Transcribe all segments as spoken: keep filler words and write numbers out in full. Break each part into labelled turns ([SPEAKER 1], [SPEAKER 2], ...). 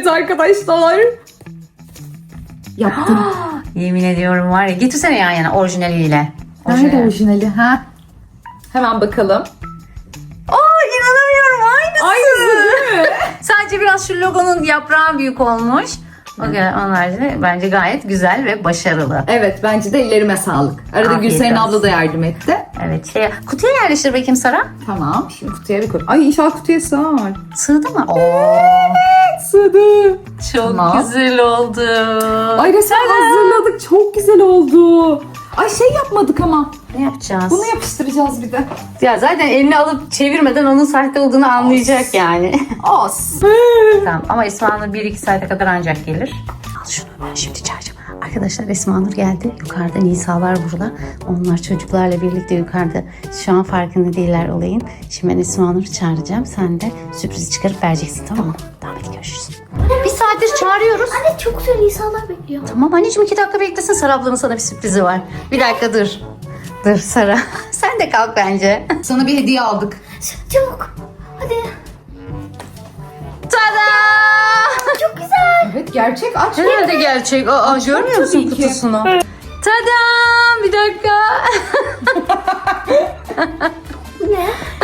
[SPEAKER 1] arkadaşlar. Yaptım.
[SPEAKER 2] Yemin ediyorum var ya. Getirsene yan yana orijinaliyle.
[SPEAKER 1] Nerede orijinali? Ha? Hemen bakalım.
[SPEAKER 2] Aa, inanamıyorum, aynısı.
[SPEAKER 1] Aynısı değil mi?
[SPEAKER 2] Sadece biraz şu logonun yaprağı büyük olmuş. Okay, onlar da bence gayet güzel ve başarılı.
[SPEAKER 1] Evet, bence de ellerime sağlık. Arada
[SPEAKER 2] Afiyet
[SPEAKER 1] Gülseren
[SPEAKER 2] olsun.
[SPEAKER 1] abla da yardım etti.
[SPEAKER 2] Evet, şey, kutuya yerleştir bakayım Sara.
[SPEAKER 1] Tamam, şimdi kutuya bir koy. Ay inşallah kutuya sığar.
[SPEAKER 2] Sığdı mı? Oo,
[SPEAKER 1] Sığdı.
[SPEAKER 2] çok
[SPEAKER 1] Tamam.
[SPEAKER 2] güzel oldu.
[SPEAKER 1] Ay resmen hazırladık. Çok güzel oldu. Ay şey yapmadık ama.
[SPEAKER 2] Ne yapacağız?
[SPEAKER 1] Bunu yapıştıracağız bir de.
[SPEAKER 2] Ya zaten elini alıp çevirmeden onun sahte olduğunu anlayacak yani.
[SPEAKER 1] As.
[SPEAKER 2] Tamam ama Esma Nur bir iki saate kadar ancak gelir. Al şunu, ben şimdi çağıracağım. Arkadaşlar Esma Nur geldi. Yukarıda Nisalar burada. Onlar çocuklarla birlikte yukarıda. Şu an farkında değiller olayın. Şimdi ben Esma Nur'u çağıracağım. Sen de sürprizi çıkarıp vereceksin, tamam mı? Tamam, hadi görüşürüz. Bir saattir çağırıyoruz.
[SPEAKER 3] Anne çok güzel insanlar bekliyor.
[SPEAKER 2] Tamam anneciğim, iki dakika beklesin. Sara ablanın sana bir sürprizi var. Bir dakika dur. Dur Sara. Sen de kalk bence.
[SPEAKER 1] Sana bir hediye aldık.
[SPEAKER 3] Çabuk. Hadi.
[SPEAKER 2] Tada!
[SPEAKER 3] Çok güzel.
[SPEAKER 1] Evet gerçek aç.
[SPEAKER 2] Herhalde gerçek. Aa, görmüyor musun
[SPEAKER 1] tabii ki.
[SPEAKER 2] kutusunu? Tadam! Bir dakika.
[SPEAKER 3] Ne?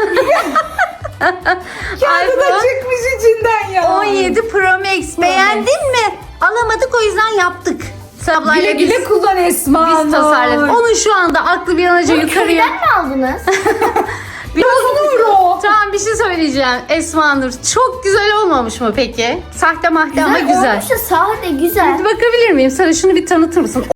[SPEAKER 1] Kağıdı da
[SPEAKER 2] iPhone
[SPEAKER 1] çıkmış içinden ya.
[SPEAKER 2] on yedi Pro Max. Beğendin mi? Alamadık, o yüzden yaptık. Sablayla
[SPEAKER 1] Güle güle
[SPEAKER 2] biz,
[SPEAKER 1] kullan Esma
[SPEAKER 2] biz
[SPEAKER 1] Nur.
[SPEAKER 2] tasarladık. Onun şu anda aklı bir an önce yukarıya.
[SPEAKER 3] Köyden mi aldınız?
[SPEAKER 2] Bir
[SPEAKER 1] Nur o.
[SPEAKER 2] Tamam, bir şey söyleyeceğim. Esma Nur, çok güzel olmamış mı peki? Sahte mahte ama güzel.
[SPEAKER 3] Olmuş da sade güzel.
[SPEAKER 2] Hadi bakabilir miyim? Sana şunu bir tanıtır mısın?